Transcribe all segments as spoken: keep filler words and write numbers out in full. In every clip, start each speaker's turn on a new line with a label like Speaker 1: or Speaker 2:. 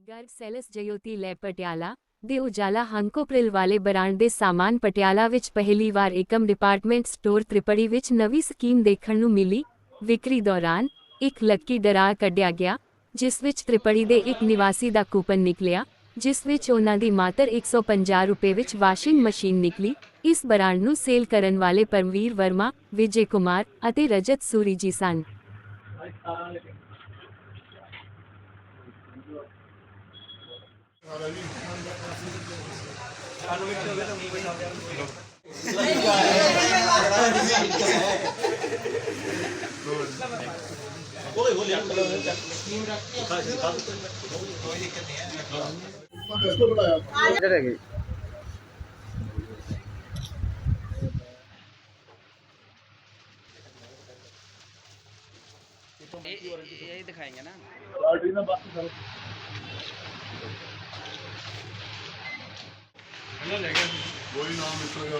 Speaker 1: Garg cells Jyoti ਲੈ ਪਟਿਆਲਾ ਦੇ ਉਜਾਲਾ ਹੰਕੋਪ੍ਰਿਲ ਵਾਲੇ ਬ੍ਰਾਂਡ ਦੇ ਸਾਮਾਨ ਪਟਿਆਲਾ ਵਿੱਚ ਪਹਿਲੀ ਵਾਰ ਏਕਮ ਡਿਪਾਰਟਮੈਂਟ ਸਟੋਰ ਤ੍ਰਿਪੜੀ ਵਿੱਚ ਨਵੀਂ ਸਕੀਮ ਦੇਖਣ ਨੂੰ ਮਿਲੀ। ਵਿਕਰੀ ਦੌਰਾਨ ਇੱਕ ਲੱਕੀ ਡਰਾ ਕੱਢਿਆ ਗਿਆ, ਜਿਸ ਵਿੱਚ ਤ੍ਰਿਪੜੀ ਦੇ ਇੱਕ ਨਿਵਾਸੀ ਦਾ ਕੂਪਨ ਨਿਕਲਿਆ, ਜਿਸ ਵਿੱਚ ਉਹਨਾਂ ਦੀ ਮਾਤਰ ਇੱਕ ਸੌ ਪੰਜਾਹ ਰੁਪਏ ਵਿੱਚ ਵਾਸ਼ਿੰਗ ਮਸ਼ੀਨ ਨਿਕਲੀ। ਇਸ ਬ੍ਰਾਂਡ ਨੂੰ ਸੇਲ ਕਰਨ ਵਾਲੇ ਪਰਮਵੀਰ ਵਰਮਾ, ਵਿਜੇ ਕੁਮਾਰ ਅਤੇ ਰਜਤ ਸੂਰੀ ਜੀ ਸਨ।
Speaker 2: यही दिखाएंगे ना।
Speaker 3: वही नाम इसका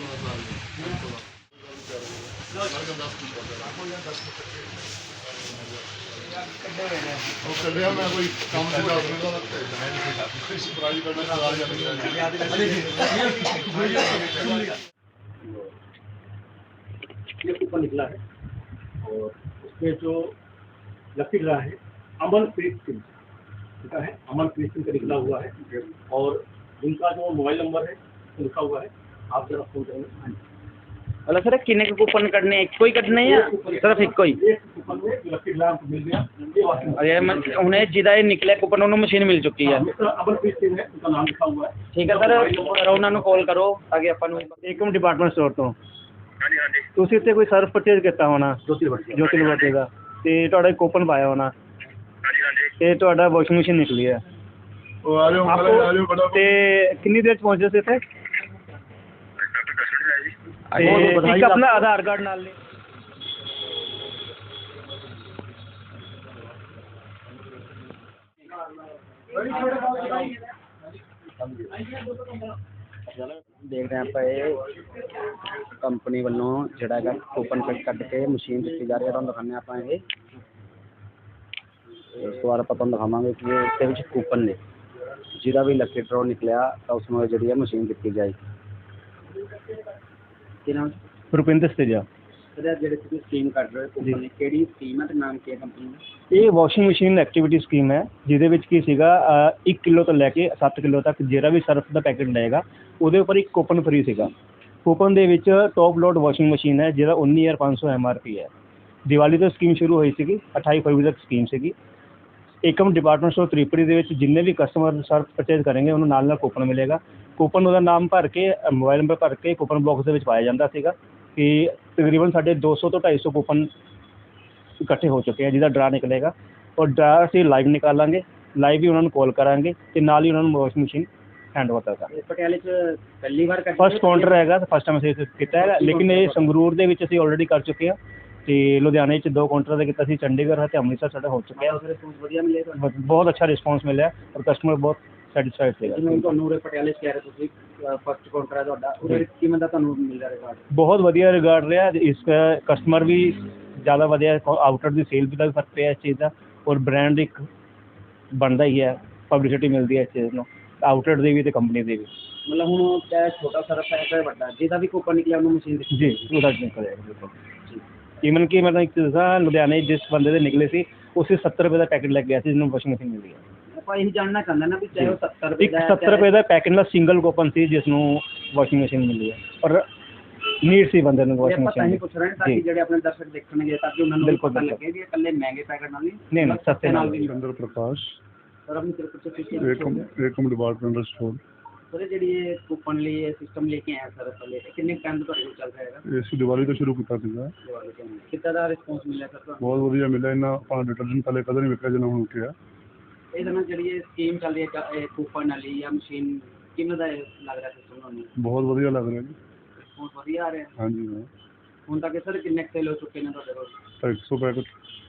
Speaker 3: कलिया मैं कोई काम से प्राइज करना
Speaker 4: ये कूपन निकला है और उसमें जो लकी ड्रा है अमन प्रीत सिंह का है, अमन प्रीत सिंह का निकला हुआ है और जिनका जो मोबाइल नंबर है लिखा हुआ है, आप जरा फोन करेंगे।
Speaker 2: मतलब सर किन्ने के कूपन कटने एक कोई कटने या सिर्फ एक कोई
Speaker 4: एक कूपन में लकी ड्रा हमको मिल गया। ये वाशिंग
Speaker 2: और ये मत- उन्हें जिदा ये निकले कूपन उन्हें मशीन मिल चुकी है।
Speaker 4: मिस्टर अमन प्रीत सिंह है, उनका नाम लिखा हुआ है।
Speaker 2: ठीक है सर, सर उन्होंने कॉल करो ताकि अपन
Speaker 5: ਏਕਮ ਡਿਪਾਰਟਮੈਂਟ ਸਟੋਰ ਤੋਂ
Speaker 4: ਹਾਂਜੀ ਹਾਂਜੀ
Speaker 5: ਤੁਸੀਂ ਇੱਥੇ ਕੋਈ ਸਰਵ ਪਰਚੇਜ਼ ਕੀਤਾ ਹੋਣਾ
Speaker 4: ਜੋਤੀ ਬੱਟੀ
Speaker 5: ਜੋਤੀ ਲਿਬਰਟੀ ਦਾ, ਤੇ ਤੁਹਾਡਾ ਇੱਕ ਕੂਪਨ ਪਾਇਆ ਹੋਣਾ
Speaker 4: ਹਾਂਜੀ ਹਾਂਜੀ
Speaker 5: ਤੇ ਤੁਹਾਡਾ ਵਾਸ਼ਿੰਗ ਮਸ਼ੀਨ ਨਿਕਲੀ ਹੈ।
Speaker 3: वो आ जाओ आ जाओ बड़ा
Speaker 5: ਤੇ ਕਿੰਨੀ ਦੇਰ ਚ ਪਹੁੰਚੇ ਸੀ ਇੱਥੇ? ਤੇ ਇੱਕ ਆਪਣਾ ਆਧਾਰ ਕਾਰਡ ਨਾਲ ਲੈ।
Speaker 2: देख रहे हैं आप ये कंपनी वालों जड़ा है कूपन कट के मशीन दी जा रही है। तुम दिखाने आप ये उस बार आप दिखावे कि ये इसके कूपन ने जिहदा भी लकी ड्रॉ निकलिया तो उसमें जी है मशीन दी जाएगी। कि नाम
Speaker 5: ਰੁਪਿੰਦਰ ਸਤੇਜਾ।
Speaker 2: सर जेडे तुसीं स्कीम कट रहे हो कूपन ने केड़ी स्कीम है ते नाम की है कंपनी दा?
Speaker 5: ਇਹ ਵਾਸ਼ਿੰਗ ਮਸ਼ੀਨ ਐਕਟੀਵਿਟੀ ਸਕੀਮ ਹੈ, ਜਿਹਦੇ ਵਿੱਚ ਕੀ ਸੀਗਾ ਇੱਕ ਕਿਲੋ ਤੋਂ ਲੈ ਕੇ ਸੱਤ ਕਿਲੋ ਤੱਕ ਜਿਹੜਾ ਵੀ ਸਰਫ ਦਾ ਪੈਕੇਟ ਲਏਗਾ ਉਹਦੇ ਉੱਪਰ ਇੱਕ ਕੂਪਨ ਫ੍ਰੀ ਸੀਗਾ। ਕੂਪਨ ਦੇ ਵਿੱਚ ਟੌਪ ਲੋਡ ਵਾਸ਼ਿੰਗ ਮਸ਼ੀਨ ਹੈ ਜਿਹਦਾ ਉੱਨੀ ਹਜ਼ਾਰ ਪੰਜ ਸੌ ਐਮ ਆਰ ਪੀ ਹੈ। ਦੀਵਾਲੀ ਤੋਂ ਸਕੀਮ ਸ਼ੁਰੂ ਹੋਈ ਸੀਗੀ, ਅਠਾਈ ਫਰਵਰੀ ਤੱਕ ਸਕੀਮ ਸੀਗੀ। ਏਕਮ ਡਿਪਾਰਟਮੈਂਟ ਸਟੋਰ ਤ੍ਰਿਪੜੀ ਦੇ ਵਿੱਚ ਜਿੰਨੇ ਵੀ ਕਸਟਮਰ ਸਰਫ ਪਰਚੇਜ਼ ਕਰਨਗੇ ਉਹਨੂੰ ਨਾਲ ਨਾਲ ਕੂਪਨ ਮਿਲੇਗਾ। ਕੂਪਨ ਉਹਦਾ ਨਾਮ ਭਰ ਕੇ ਮੋਬਾਈਲ ਨੰਬਰ ਭਰ ਕੇ ਕੂਪਨ ਬਾਕਸ ਦੇ ਵਿੱਚ ਪਾਇਆ ਜਾਂਦਾ ਸੀਗਾ ਕਿ ਤਕਰੀਬਨ ਸਾਡੇ ਦੋ ਸੌ ਤੋਂ ਢਾਈ ਸੌ ਕੂਪਨ ਇਕੱਠੇ ਹੋ ਚੁੱਕੇ ਆ ਜਿਹਦਾ ਡਰਾ ਨਿਕਲੇਗਾ। ਔਰ ਡਰਾ ਅਸੀਂ ਲਾਈਵ ਨਿਕਾਲਾਂਗੇ, ਲਾਈਵ ਹੀ ਉਹਨਾਂ ਨੂੰ ਕਾਲ ਕਰਾਂਗੇ ਅਤੇ ਨਾਲ ਹੀ ਉਹਨਾਂ ਨੂੰ ਵਾਸ਼ਿੰਗ ਮਸ਼ੀਨ हैंड ओवर करता
Speaker 2: पटियाले च पहली बार कर
Speaker 5: फस्ट काउंटर हैगा, फस्ट टाइम ਅਸੀਂ ਕੀਤਾ ਹੈਗਾ, ਲੇਕਿन ਇਹ ਸੰਗਰੂਰ ਦੇ ਵਿੱਚ ਅਸੀਂ ਆਲਰੇਡੀ ਕਰ ਚੁੱਕੇ ਹਾਂ ਤੇ ਲੁਧਿਆਣੇ 'ਚ ਦੋ ਕਾਊਂਟਰ ਤੇ ਕੀਤਾ ਸੀ, ਚੰਡੀਗੜ੍ਹ ਅਤੇ ਅੰਮ੍ਰਿਤਸਰ ਸਾਡਾ ਹੋ ਚੁੱਕਿਆ।
Speaker 2: रिस्पॉन्स ਵਧੀਆ ਮਿਲੇ ਤੁਹਾਨੂੰ?
Speaker 5: ਬਹੁਤ ਅੱਛਾ ਰਿਸਪੌਂਸ ਮਿਲਿਆ ਔਰ ਕਸਟਮਰ ਬਹੁਤ ਸੈਟੀਸਫਾਈਡ ਸੀਗਾ।
Speaker 2: ਜਿਵੇਂ ਤੁਹਾਨੂੰ ਉਰੇ ਪਟਿਆਲੇ ਚ ਕਹਿ ਰਹੇ ਤੁਸੀਂ ਫਸਟ ਕਾਊਂਟਰ ਹੈ ਤੁਹਾਡਾ, ਉਹਦੇ ਕਿਵੇਂ ਦਾ ਤੁਹਾਨੂੰ ਮਿਲ ਰਿਹਾ ਰਿਕਾਰਡ?
Speaker 5: ਬਹੁਤ ਵਧੀਆ ਰਿਗਾਰਡ ਰਿਹਾ। ਇਸ ਕਸਟਮਰ ਵੀ ਜ਼ਿਆਦਾ ਵਧੀਆ, ਆਊਟਰ ਦੀ ਸੇਲ ਵੀ ਦਾ ਵੀ ਫਰਕ ਪਿਆ ਇਸ ਚੀਜ਼ ਦਾ ਔਰ ਬ੍ਰਾਂਡ ਇੱਕ ਬਣਦਾ ਹੀ ਹੈ, ਪਬਲਿਸਿਟੀ ਮਿਲਦੀ ਹੈ ਇਸ ਚੀਜ਼ ਨੂੰ ਆਊਟਲੈਟ ਦੀ ਵੀ ਅਤੇ ਕੰਪਨੀ ਦੀ ਵੀ।
Speaker 2: ਮਤਲਬ ਹੁਣ ਚਾਹੇ ਛੋਟਾ ਸਰਫ ਹੈ ਚਾਹੇ ਵੱਡਾ, ਜਿਹਦਾ ਵੀ ਕੂਪਨ ਨਿਕਲਿਆ ਉਹਨੂੰ ਮਸ਼ੀਨ ਦਿੱਤੀ?
Speaker 5: ਜੀ ਉਹਦਾ ਨਿਕਲ ਜਾਏਗਾ ਬਿਲਕੁਲ। ਈਵਨ ਕਿ ਮੈਂ ਇੱਕ ਦੱਸਾਂ, ਲੁਧਿਆਣੇ ਜਿਸ ਬੰਦੇ ਦੇ ਨਿਕਲੇ ਸੀ ਉਸੇ ਸੱਤਰ ਰੁਪਏ ਦਾ ਪੈਕੇਟ ਲੱਗ ਗਿਆ ਸੀ ਜਿਹਨੂੰ ਵਾਸ਼ਿੰਗ ਮਸ਼ੀਨ ਮਿਲੀ ਹੈ।
Speaker 2: ਆਪਾਂ ਇਹ ਜਾਣਨਾ ਚਾਹੁੰਦੇ ਨਾ ਵੀ ਚਾਹੇ ਉਹ ਸੱਤਰ ਰੁਪਏ
Speaker 5: ਇੱਕ
Speaker 2: ਦਾ
Speaker 5: ਸੱਤਰ ਰੁਪਏ ਦਾ ਪੈਕੇਟ ਨਾਲ ਸਿੰਗਲ ਕੂਪਨ ਸੀ ਜਿਸ ਨੂੰ ਵਾਸ਼ਿੰਗ ਮਸ਼ੀਨ ਮਿਲੀ ਹੈ ਔਰ ਨੀਡ ਸੀ ਬੰਦੇ ਨੂੰ ਵਾਸ਼ਿੰਗ
Speaker 2: ਆਪਾਂ ਤਾਂ ਹੀ
Speaker 5: ਮਸ਼ੀਨ।
Speaker 2: ਪੁੱਛ ਰਹੇ ਹਾਂ ਤਾਂ ਕਿ ਜਿਹੜੇ ਆਪਣੇ ਦਰਸ਼ਕ ਦੇਖਣਗੇ ਤਾਂ ਕਿ ਉਹਨਾਂ ਨੂੰ
Speaker 5: ਬਿਲਕੁਲ,
Speaker 2: ਪਤਾ
Speaker 5: ਬਿਲਕੁਲ।
Speaker 2: ਲੱਗੇ ਵੀ ਇਹ ਇਕੱਲੇ ਮਹਿੰਗੇ ਪੈਕੇਟ ਨਾਲ
Speaker 5: ਨਹੀਂ,
Speaker 2: ਨਹੀਂ
Speaker 5: ਨਹੀਂ, ਸਸਤੇ ਨਾਲ
Speaker 2: ਵੀ
Speaker 3: चंद्र प्रकाश
Speaker 2: ਸਰ ਆਪਣੀ ਤਰਫ ਤੋਂ ਤੁਸੀਂ
Speaker 3: एकम एकम डिपार्टमेंट स्टोर
Speaker 2: ਸਰ ਜਿਹੜੀ ਇਹ ਕੂਪਨ ਲਈ ਇਹ ਸਿਸਟਮ ਲੈ ਕੇ ਆਏ ਸਰ ਪਹਿਲੇ ਕਿੰਨੇ ਟਾਈਮ ਤੋਂ ਤੁਹਾਡੇ ਕੋਲ ਚੱਲ ਰਿਹਾ ਹੈਗਾ?
Speaker 3: ਇਸ ਦੀਵਾਲੀ ਤੋਂ ਸ਼ੁਰੂ ਕੀਤਾ ਸੀਗਾ।
Speaker 2: ਕਿੱਦਾਂ ਦਾ ਰਿਸਪੌਂਸ ਮਿਲਿਆ ਸਰ ਤੁਹਾਨੂੰ?
Speaker 3: ਬਹੁਤ ਵਧੀਆ ਮਿਲਿਆ। ਇਹਨਾਂ ਆਪਣਾ ਡਿਟਰਜੈਂਟ ਪਹਿਲੇ ਕਦੇ ਨਹੀਂ ਵਿਕਿਆ ਜਿੰਨਾ ਹੁਣ ਵਿਕਿਆ।
Speaker 2: ਇਹਦੇ ਨਾਲ ਜਿਹੜੀ ਇਹ ਸਕੀਮ ਚੱਲ ਰਹੀ ਹੈ ਜਾਂ ਇਹ ਕੂਪਨ ਵਾਲੀ ਜਾਂ ਮਸ਼ੀਨ, ਕਿਵੇਂ ਦਾ ਇਹ ਲੱਗ ਰਿਹਾ ਸਿਸਟਮ ਤੁਹਾਨੂੰ?
Speaker 3: ਬਹੁਤ ਵਧੀਆ ਲੱਗ ਰਿਹਾ ਜੀ।
Speaker 2: ਰਿਸਪੌਂਸ ਵਧੀਆ ਆ ਰਿਹਾ
Speaker 3: ਹਾਂਜੀ ਹਾਂ,
Speaker 2: ਹੁਣ ਤੱਕ ਸਰ ਕਿੰਨੇ ਸੇਲ ਹੋ ਚੁੱਕੇ ਨੇ ਤੁਹਾਡੇ ਕੋਲ?
Speaker 3: ਤਾਂ ਇੱਕ ਸੌ ਪੈਕਟ।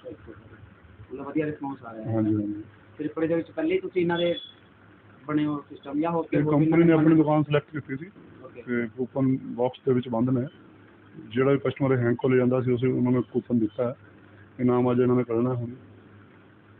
Speaker 2: ਮਤਲਬ ਵਧੀਆ ਰਿਸਪੌਂਸ ਆ ਰਿਹਾ ਹੈ।
Speaker 3: ਹਾਂਜੀ ਹਾਂਜੀ।
Speaker 2: ਤ੍ਰਿਪੜੀ ਦੇ ਵਿੱਚ ਪਹਿਲੇ ਹੀ ਤੁਸੀਂ ਇਹਨਾਂ ਦੇ ਬਣੇ ਹੋ ਸਿਸਟਮ ਜਾਂ ਹੋਰ
Speaker 3: ਇਹ
Speaker 2: ਹੋਰ ਵੀ
Speaker 3: ਕੰਪਨੀ ਨੇ
Speaker 2: ਇਹਨਾਂ
Speaker 3: ਆਪਣੀ ਦੁਕਾਨ ਸਿਲੈਕਟ ਕੀਤੀ ਸੀ
Speaker 2: Okay.
Speaker 3: ਤੇ ਕੂਪਨ ਬਾਕਸ ਦੇ ਵਿੱਚ ਬੰਦ ਨੇ। ਜਿਹੜਾ ਵੀ ਕਸਟਮਰ ਹੈਂਕ ਕੋਲ ਜਾਂਦਾ ਸੀ ਉਸੇ ਉਹਨਾਂ ਨੂੰ ਕੂਪਨ ਦਿੱਤਾ ਹੈ। ਇਨਾਮ ਅੱਜ ਇਹਨਾਂ ਨੇ ਕੱਢਣਾ ਹੁਣ।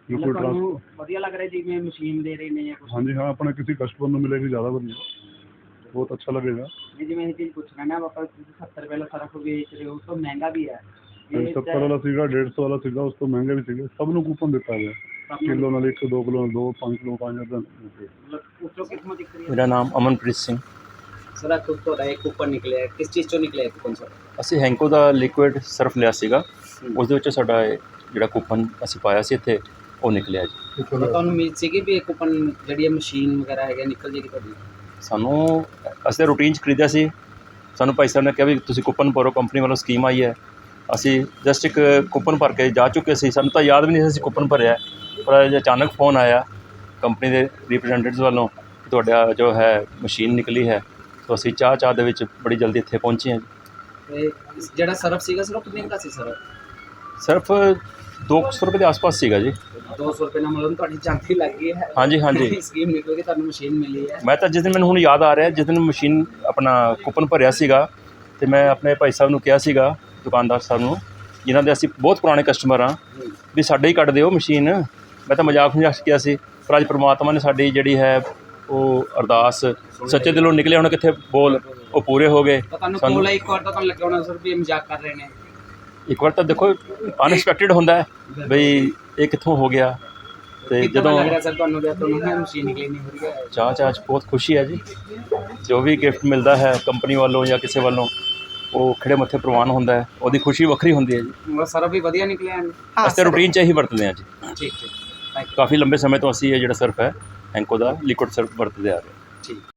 Speaker 3: ਜੋ
Speaker 2: ਮਤਲਬ
Speaker 3: ਕੋਈ
Speaker 2: ਤੁਹਾਨੂੰ
Speaker 3: ਟਰਾਂਸ
Speaker 2: ਵਧੀਆ ਲੱਗ ਰਿਹਾ ਜਿਵੇਂ ਮਸ਼ੀਨ ਦੇ ਰਹੇ ਨੇ ਜਾਂ ਕੁਛ?
Speaker 3: ਹਾਂਜੀ ਹਾਂ, ਆਪਣੇ ਕਿਸੇ ਕਸਟਮਰ ਨੂੰ ਮਿਲੇਗੀ ਜ਼ਿਆਦਾ ਵਧੀਆ, ਬਹੁਤ ਅੱਛਾ लगेगा।
Speaker 2: ਨਹੀਂ, ਜਿਵੇਂ ਇਹ ਚੀਜ਼ ਪੁੱਛ ਰਹੇ ਨਾ ਆਪਾਂ, ਸੱਤਰ ਰੁਪਏ ਵਾਲਾ ਸਰਫ ਵੇਚ ਰਹੇ ਹੋ, ਉਸ ਤੋਂ ਮਹਿੰਗਾ ਵੀ ਹੈ ਇਹ
Speaker 3: ਸੱਤਰ ਵਾਲਾ ਸੀਗਾ, ਡੇਢ ਸੌ ਵਾਲਾ ਸੀਗਾ, ਉਸ ਤੋਂ ਮਹਿੰਗੇ ਵੀ ਸੀਗੇ, ਸਭ ਨੂੰ ਕੂਪਨ ਦਿੱਤਾ ਗਿਆ, ਕਿਲੋ ਨਾਲ ਇੱਕ, ਦੋ ਕਿਲੋ ਨਾਲ ਦੋ, ਪੰਜ ਕਿਲੋ ਪੰਜ ਹਜ਼ਾਰ ਦਾ।
Speaker 2: ਮਤਲਬ ਉੱਚੋਂ ਕਿਸਮਤ ਦਿਖ ਰਹੀ ਹੈ।
Speaker 6: ਮੇਰਾ ਨਾਮ ਅਮਨਪ੍ਰੀਤ ਸਿੰਘ।
Speaker 2: ਸਰ ਅੱਜ ਤੁਹਾਡਾ ਇੱਕ ਕੂਪਨ ਨਿਕਲਿਆ, ਕਿਸ ਚੀਜ਼ ਚੋਂ ਨਿਕਲਿਆ ਕੂਪਨ ਸਰ?
Speaker 6: ਅਸੀਂ ਹੈਂਕੋ ਦਾ ਲਿਕੁਇਡ ਸਰਫ ਲਿਆ ਸੀਗਾ, ਉਸ ਦੇ ਵਿੱਚੋਂ ਸਾਡਾ ਇਹ ਜਿਹੜਾ ਕੂਪਨ ਅਸੀਂ ਪਾਇਆ ਸੀ ਇੱਥੇ ਉਹ ਨਿਕਲਿਆ ਜੀ।
Speaker 2: ਤੁਹਾਨੂੰ ਉਮੀਦ ਸੀਗੀ ਵੀ ਇਹ ਕੂਪਨ ਜਿਹੜੀ ਮਸ਼ੀਨ ਵਗੈਰਾ ਹੈਗਾ ਨਿਕਲ ਜੇਗੀ ਤੁਹਾਡੀ?
Speaker 6: ਸਾਨੂੰ ਅਸੀਂ ਤਾਂ ਰੂਟੀਨ 'ਚ ਖਰੀਦਿਆ ਸੀ, ਸਾਨੂੰ ਭਾਈ ਸਾਹਿਬ ਨੇ ਕਿਹਾ ਵੀ ਤੁਸੀਂ ਕੂਪਨ ਭਰੋ, ਕੰਪਨੀ ਵੱਲੋਂ ਸਕੀਮ ਆਈ ਹੈ। ਅਸੀਂ ਜਸਟ ਇੱਕ ਕੂਪਨ ਭਰ ਕੇ ਜਾ ਚੁੱਕੇ ਸੀ, ਸਾਨੂੰ ਤਾਂ ਯਾਦ ਵੀ ਨਹੀਂ ਸੀ ਅਸੀਂ ਕੂਪਨ ਭਰਿਆ, ਪਰ ਅੱਜ ਅਚਾਨਕ ਫ਼ੋਨ ਆਇਆ ਕੰਪਨੀ ਦੇ ਰਿਪਰੈਜ਼ੈਂਟੇਟਿਵਸ ਵੱਲੋਂ ਕਿ ਤੁਹਾਡਾ ਜੋ ਹੈ ਮਸ਼ੀਨ ਨਿਕਲੀ ਹੈ। ਤਾਂ ਅਸੀਂ ਚਾਹ ਚਾਹ ਦੇ ਵਿੱਚ ਬੜੀ ਜਲਦੀ ਇੱਥੇ ਪਹੁੰਚੇ ਹਾਂ ਜੀ।
Speaker 2: ਤੇ ਜਿਹੜਾ ਸਰਫ ਸੀਗਾ ਸਰ ਉਹ ਕਿੰਨੇ ਦਾ ਸੀ ਸਰ?
Speaker 6: ਸਿਰਫ ਦੋ ਸੌ ਰੁਪਏ ਦੇ ਆਸ-ਪਾਸ ਸੀਗਾ ਜੀ।
Speaker 2: ਦੋ ਸੌ ਰੁਪਏ ਨਾਲ ਮਤਲਬ ਤੁਹਾਡੀ ਜਾਂਦੀ ਲੱਗ ਗਈ ਹੈ।
Speaker 6: ਹਾਂਜੀ ਹਾਂਜੀ।
Speaker 2: ਸਕੀਮ ਨਿਕਲ ਕੇ ਤੁਹਾਨੂੰ ਮਸ਼ੀਨ ਮਿਲੀ ਹੈ।
Speaker 6: ਮੈਂ ਤਾਂ ਜਿਸ ਦਿਨ ਮੈਨੂੰ ਹੁਣ ਯਾਦ ਆ ਰਿਹਾ, ਜਿਸ ਦਿਨ ਮਸ਼ੀਨ ਆਪਣਾ ਕੂਪਨ ਭਰਿਆ ਸੀਗਾ ਅਤੇ ਮੈਂ ਆਪਣੇ ਭਾਈ ਸਾਹਿਬ ਨੂੰ ਕਿਹਾ ਸੀਗਾ, ਦੁਕਾਨਦਾਰ ਸਾਹਿਬ ਨੂੰ, ਜਿਨ੍ਹਾਂ ਦੇ ਅਸੀਂ ਬਹੁਤ ਪੁਰਾਣੇ ਕਸਟਮਰ ਹਾਂ, ਵੀ ਸਾਡੇ ਹੀ ਕੱਢ ਦਿਓ ਮਸ਼ੀਨ। ਮੈਂ ਤਾਂ ਮਜ਼ਾਕ ਮਜ਼ਾਕ ਕਿਹਾ ਸੀ, ਪਰ ਅੱਜ ਪ੍ਰਮਾਤਮਾ ਨੇ ਸਾਡੀ ਜਿਹੜੀ ਹੈ ਉਹ ਅਰਦਾਸ ਸੱਚੇ ਦਿਲੋਂ ਨਿਕਲੇ, ਹੁਣ ਕਿੱਥੇ ਬੋਲ ਉਹ ਪੂਰੇ ਹੋ ਗਏ।
Speaker 2: ਤਾਂ ਤੁਹਾਨੂੰ ਕੋਲ ਇੱਕ ਵਾਰ ਤਾਂ ਤੁਹਾਨੂੰ ਲੱਗਿਆ ਹੋਣਾ ਸਰ ਵੀ ਇਹ ਮਜ਼ਾਕ ਕਰ ਰਹੇ ਨੇ।
Speaker 6: ਇੱਕ ਵਾਰ ਤਾਂ ਦੇਖੋ ਅਨਐਕਸਪੈਕਟਡ ਹੁੰਦਾ ਹੈ ਬਈ ਇਹ ਕਿੱਥੋਂ ਹੋ ਗਿਆ। ਅਤੇ ਜਦੋਂ
Speaker 2: ਲੱਗ ਰਿਹਾ ਸਰ ਤੁਹਾਨੂੰ ਵੀ ਤੁਹਾਨੂੰ ਮਸ਼ੀਨ ਨਿਕਲੀ ਨਹੀਂ ਹੋ ਰਹੀ ਹੈ?
Speaker 6: ਚਾਹ ਚਾਹ 'ਚ ਬਹੁਤ ਖੁਸ਼ੀ ਹੈ ਜੀ। ਜੋ ਵੀ ਗਿਫਟ ਮਿਲਦਾ ਹੈ ਕੰਪਨੀ ਵੱਲੋਂ ਜਾਂ ਕਿਸੇ ਵੱਲੋਂ, ਉਹ ਖਿੜੇ ਮੱਥੇ ਪ੍ਰਵਾਨ ਹੁੰਦਾ ਹੈ, ਉਹਦੀ ਖੁਸ਼ੀ ਵੱਖਰੀ ਹੁੰਦੀ ਹੈ ਜੀ।
Speaker 2: ਮਤਲਬ ਸਰਫ ਵੀ ਵਧੀਆ ਨਿਕਲਿਆ?
Speaker 6: ਅਸੀਂ ਤਾਂ ਰੂਟੀਨ 'ਚ ਇਹੀ ਵਰਤਦੇ ਹਾਂ ਜੀ।
Speaker 2: ਠੀਕ ਠੀਕ, ਥੈਂਕ ਯੂ।
Speaker 6: ਕਾਫੀ ਲੰਬੇ ਸਮੇਂ ਤੋਂ ਅਸੀਂ ਇਹ ਜਿਹੜਾ ਸਰਫ ਹੈ ਹੈਂਕੋ ਦਾ ਲਿਕੁਇਡ ਸਰਫ ਵਰਤਦੇ ਆ ਰਹੇ ਹਾਂ।
Speaker 2: ਠੀਕ।